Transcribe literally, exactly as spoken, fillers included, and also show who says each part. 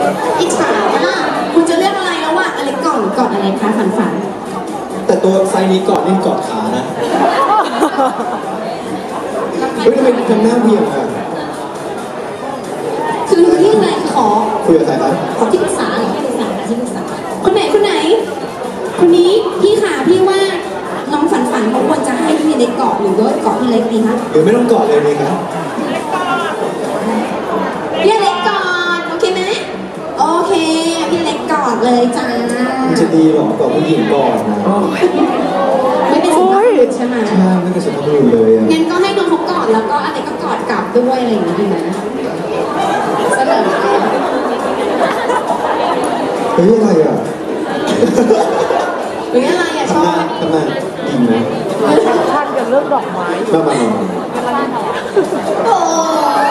Speaker 1: อิจฉาอ่ะคุณจะเลือกอะไรแล้วว่าอะไรก่อนหรือกอดอะไรคะฝันฝัน
Speaker 2: แต่ตัวไซนี้กอดนี่กอดขานะเฮ้ยทำไมทำหน้าเบี่ยงอ่ะ
Speaker 1: คือที่อะไรขอ
Speaker 2: คุยกับใครครับ
Speaker 1: ขอที่ปรึกษาเหรอที่ปรึกษาที่ปรึกษาคนไหนคนไหนคนนี้พี่ขาพี่ว่าน้องฝันฝันเขาควรจะให้พี่เล็กกอดหรือว่าเกาะพี่เล็กดีคะ
Speaker 2: หรือไม่ต้องกอดเลยดีครับ
Speaker 1: พี่เล็กกอดโอเคไหมโอเคพี่เล็กกอดเลยจ้า
Speaker 2: มันจะดีหรอกอดผู้หญิงก่อนนะ
Speaker 1: ไม่เป็นสุภาพบุรุษใช่ไหม
Speaker 2: ใช่ไม่เป็นสุภาพบุรุษเลย
Speaker 1: งั้นก็ให้น้องเขากอดแล้วก็อะไรก็กอดกลับด้วยอะไรอย่างนี้ดีไหมเสนอ
Speaker 2: เฮ้ยอะไรอ่ะ
Speaker 1: เฮ้ยอะไรอ่ะชอบ
Speaker 2: ทำไมดีไหม
Speaker 3: ท่านกันเรื่องดอกไม้
Speaker 2: มามา
Speaker 1: โอ้